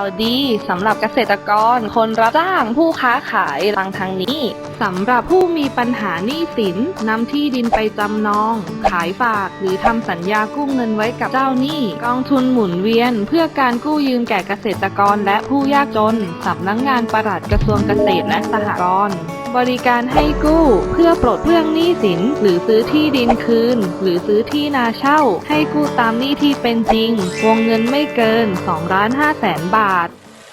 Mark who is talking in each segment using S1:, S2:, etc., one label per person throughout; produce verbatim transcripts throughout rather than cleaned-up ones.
S1: าวดีสำหรับเกษตรกรคนรับจ้างผู้ค้าขายทางทางนี้สำหรับผู้มีปัญหาหนี้สินนำที่ดินไปจำนองขายฝากหรือทำสัญญากู้เงินไว้กับเจ้าหนี้กองทุนหมุนเวียนเพื่อการกู้ยืมแก่เกษตรกรและผู้ยากจนสำนักงานปลัดกระทรวงเกษตรและสหกรณ์บริการให้กู้เพื่อปลดเปลื้องหนี้สินหรือซื้อที่ดินคืนหรือซื้อที่นาเช่าให้กู้ตามหนี้ที่เป็นจริงวงเงินไม่เกินสองล้านห้าแสนบาท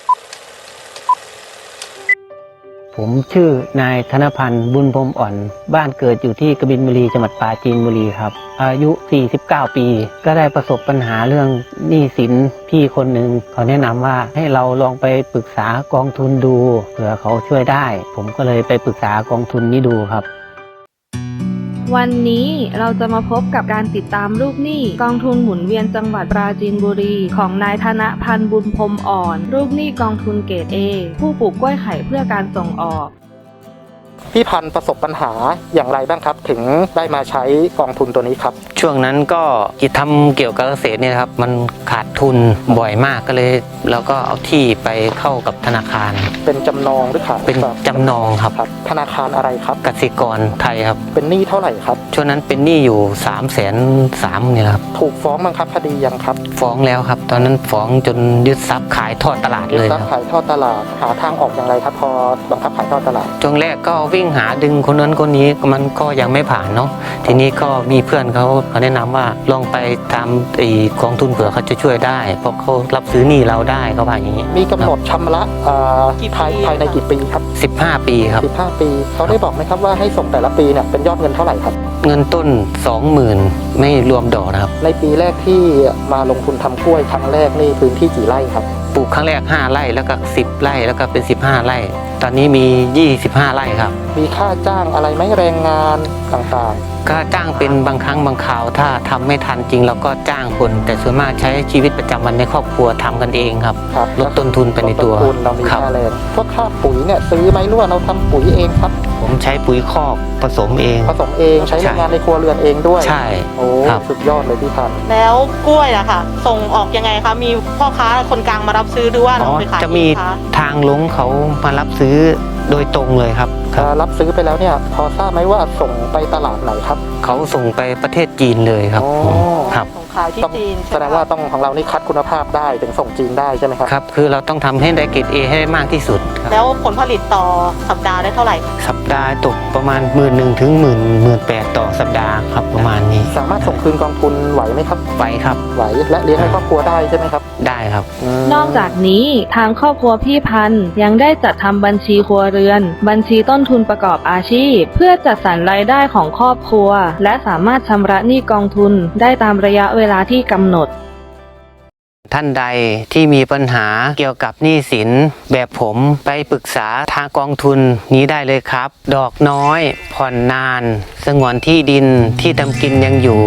S2: ผมชื่อนายธนพันธ์บุญพรหมอ่อนบ้านเกิดอยู่ที่กบินบุรีจังหวัดปราจีนบุรีครับอายุสี่สิบเก้าปีก็ได้ประสบปัญหาเรื่องหนี้สินพี่คนหนึ่งเขาแนะนำว่าให้เราลองไปปรึกษากองทุนดูเผื่อเขาช่วยได้ผมก็เลยไปปรึกษากองทุนนี้ดูครับ
S1: วันนี้เราจะมาพบกับการติดตามลูกหนี้กองทุนหมุนเวียนจังหวัดปราจีนบุรีของนายธนพันธ์บุญพรหมอ่อนลูกหนี้กองทุนเกรด เอ ผู้ปลูกกล้วยไข่เพื่อการส่งออก
S3: พี่พันธ์ประสบปัญหาอย่างไรบ้างครับถึงได้มาใช้กองทุนตัวนี้ครับ
S2: ช่วงนั้นก็กิจทำเกี่ยวกับเกษตรเนี่ยครับมันขาดทุนบ่อยมากก็เลยเราก็เอาที่ไปเข้ากับธนาคาร
S3: เป็นจำนองหรือขาย
S2: เป็นจำนองครับ
S3: ธนาคารอะไรครับ
S2: กสิกรไทยครับ
S3: เป็นหนี้เท่าไหร่ครับ
S2: ช่วงนั้นเป็นหนี้อยู่สามแสนสามเนี่ยครับ
S3: ถูกฟ้องบังคับคดียังครับ
S2: ฟ้องแล้วครับตอนนั้นฟ้องจนยึดทรัพย์ขายทอดตลาดเลย
S3: ยึดทรัพย์ขายทอดตลาดหาทางออกอย่างไรครับพอบังคับขายทอดตลาด
S2: ช่วงแรกก็วิ่งหาดึงคนนั้นคนนี้มันก็ยังไม่ผ่านเนาะทีนี้ก็มีเพื่อนเขาเขาแนะนำว่าลองไปทำไอ้กองทุนเผื่อเขาจะช่วยได้เพราะเขารับซื้อหนี้เราได้เขาว่าอย่างนี้
S3: มีกำหนดชำระภายภายในกี่ปีครับ
S2: สิบห้าปีครับ
S3: สิบห้าปีเขาได้บอกไหมครับว่าให้ส่งแต่ละปีเนี่ยเป็นยอดเงินเท่าไหร่ครับ
S2: เงินต้น สองหมื่น ไม่รวมดอกนะครับ
S3: ในปีแรกที่มาลงทุนทำกล้วยครั้งแรกนี่พื้นที่กี่ไร่ครับ
S2: ปลูกครั้งแรกห้าไร่แล้วก็สิบไร่แล้วก็เป็นสิบห้าไร่ตอนนี้มียี่สิบห้าไร่ครับ
S3: มีค่าจ้างอะไรไหมแรงงานต่าง
S2: ๆก็จ้างเป็นบางครั้งบางคราวถ้าทำไม่ทันจริงเราก็จ้างคนแต่ส่วนมากใช้ชีวิตประจำวันในครอบครัวทำกันเองครับลดต้นทุนไปในตัว
S3: เรามีค่าแรงพวกค่าปุ๋ยเนี่ยซื้อไหมหรือว่าเราทำปุ๋ยเองครับ
S2: ผมใช้ปุ๋ยคอกผสมเอง
S3: ผสมเองใช้แรงงานในครัวเรือนเองด้วย
S2: ใช่
S3: โอ้สุดยอดเลยพี่พันธ์
S4: แล้วกล้วยอะค่ะส่งออกยังไงคะมีพ่อค้าคนกลางมารับซื้อหรือว่าเราไปขาย
S2: จะมีทางลงเขามารับซื้อโดยตรงเลยครับ
S3: รับซื้อไปแล้วเนี่ยพอทราบไหมว่าส่งไปตลาดไหนครับ
S2: เขาส่งไปประเทศจีนเลยครับ
S4: ครับส่งขายที่จีน
S3: แสดงว่าต้องของเรานี่คัดคุณภาพได้ถึงส่งจีนได้ใช่ไหมครับ
S2: ครับคือเราต้องทำให้ได้เกรด เอ ให้ได้มากที่สุด
S4: แล้วผลผลิตต่อสัปดาห์ได้เท่าไหร่
S2: สัปดาห์ตกประมาณหมื่นหนึ่งถึงหมื่นหมื่นแปดต่อสัปดาห์ครับประมาณนี้
S3: สามารถส่งคืนกองทุนไหวไหมครับ
S2: ไหวครับ
S3: ไหวและเลี้ยงให้ครอบครัวได้ใช่ไหมครับ
S2: ได้ครับ
S1: นอกจากนี้ทางครอบครัวพี่พันธ์ยังได้จัดทำบัญชีครัวเรือนบัญชีต้นทุนประกอบอาชีพเพื่อจัดสรรรายได้ของครอบครัวและสามารถชำระหนี้กองทุนได้ตามระยะเวลาที่กำหนด
S2: ท่านใดที่มีปัญหาเกี่ยวกับหนี้สินแบบผมไปปรึกษาทางกองทุนนี้ได้เลยครับดอกน้อยผ่อนนานสงวนที่ดินที่ทำกินยังอยู่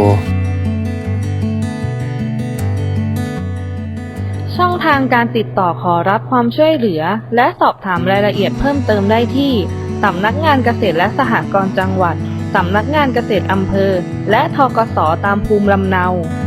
S1: ช่องทางการติดต่อขอรับความช่วยเหลือและสอบถามรายละเอียดเพิ่มเติมได้ที่สำนักงานเกษตรและสหกรณ์จังหวัดสำนักงานเกษตรอำเภอและธกสตามภูมิลำเนา